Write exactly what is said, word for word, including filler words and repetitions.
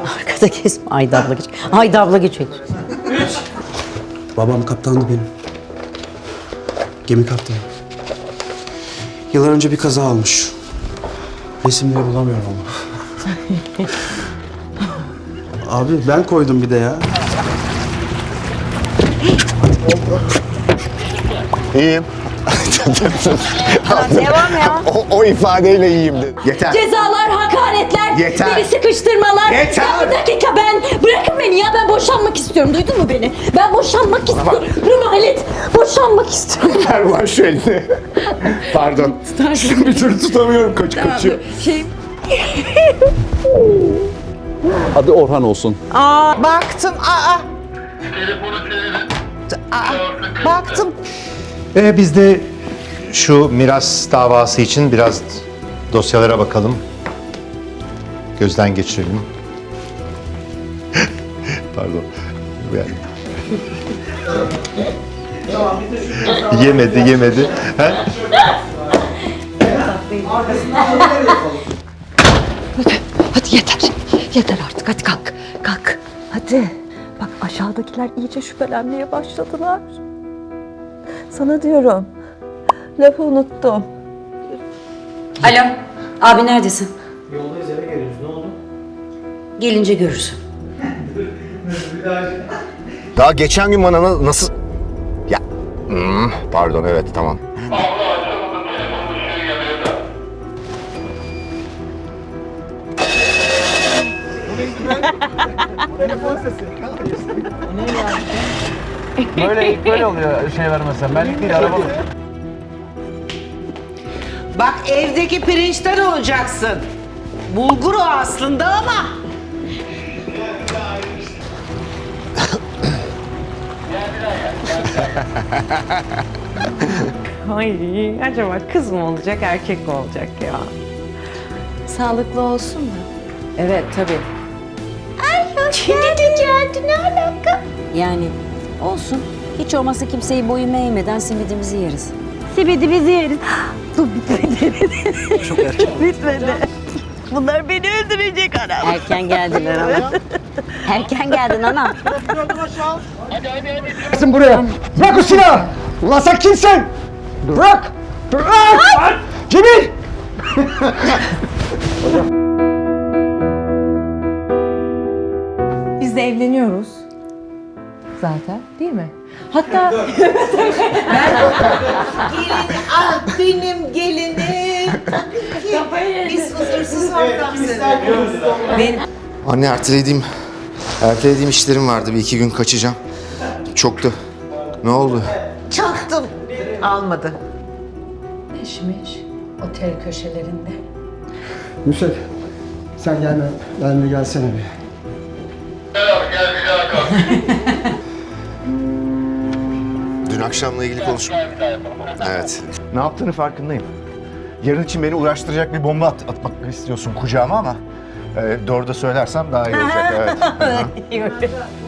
Arkada kesme. Haydi abla geç. Haydi abla geç. Babam kaptandı benim. Gemi kaptanı. Yıllar önce bir kaza olmuş. Resimleri bulamıyorum ama. Abi ben koydum bir de ya. İyiyim. Devam ya. O, o ifadeyle iyiyim dedi. Yeter. Cezalar, hakaretler, Yeter. beni sıkıştırmalar. Yeter. Ya bir dakika ben, bırakın beni ya ben boşanmak istiyorum. Duydun mu beni? Ben boşanmak istiyorum. Halit, boşanmak istiyorum. Ver var şu elini. Pardon. Şunu bir türlü tutamıyorum. Kaç kaçıyor. Şey... Adı Orhan olsun. Aa, baktım. Aa. Aa, baktım. Ee, biz de şu miras davası için biraz dosyalara bakalım. Gözden geçirelim. Pardon. Yani. yemedi, yemedi. Ha? Hadi yeter. Yeter artık. Hadi kalk. Kalk. Hadi. Bak aşağıdakiler iyice şüphelenmeye başladılar. Sana diyorum. Lafı unuttum. Alo, abi neredesin? Yoldayız, eve geliyoruz. Ne oldu? Gelince görürsün. Daha geçen gün bana na- nasıl... Ya... Hmm, pardon, evet, tamam. Böyle ilk böyle oluyor şey vermezsen. Benlik değil arabalı. Bak evdeki pirinçten olacaksın. Bulgur o aslında ama. Ay acaba kız mı olacak erkek mi olacak ya? Sağlıklı olsun da. Evet tabii. Yani olsun. Hiç olmazsa kimseyi boyun eğmeden simidimizi yeriz. Simidimizi yeriz. Dur bitmedi. Çok erken. Bitmedi. Bunlar beni öldürecek anam. Erken geldin anam. Erken geldin anam. Gelsin buraya. Bırak o silahı. Ulan sen kimsin? Bırak. Bırak. Cemil. Biz de evleniyoruz. Zaten değil mi? Hatta Ah benim gelinim. Biz huzursuz ortam seviyoruz. benim Anne, ertelediğim... Ertelediğim işlerim vardı. Bir iki gün kaçacağım. Çoktu. Ne oldu? Çaktım. Almadı. Eşmiş otel köşelerinde. Nusret, sen gelme. Benimle gelsene bir. Dün akşamla ilgili konuşma. Evet. Ne yaptığını farkındayım. Yarın için beni uğraştıracak bir bomba at- atmak istiyorsun kucağıma ama... E, doğru da söylersem daha iyi olacak. Evet. Hı hı.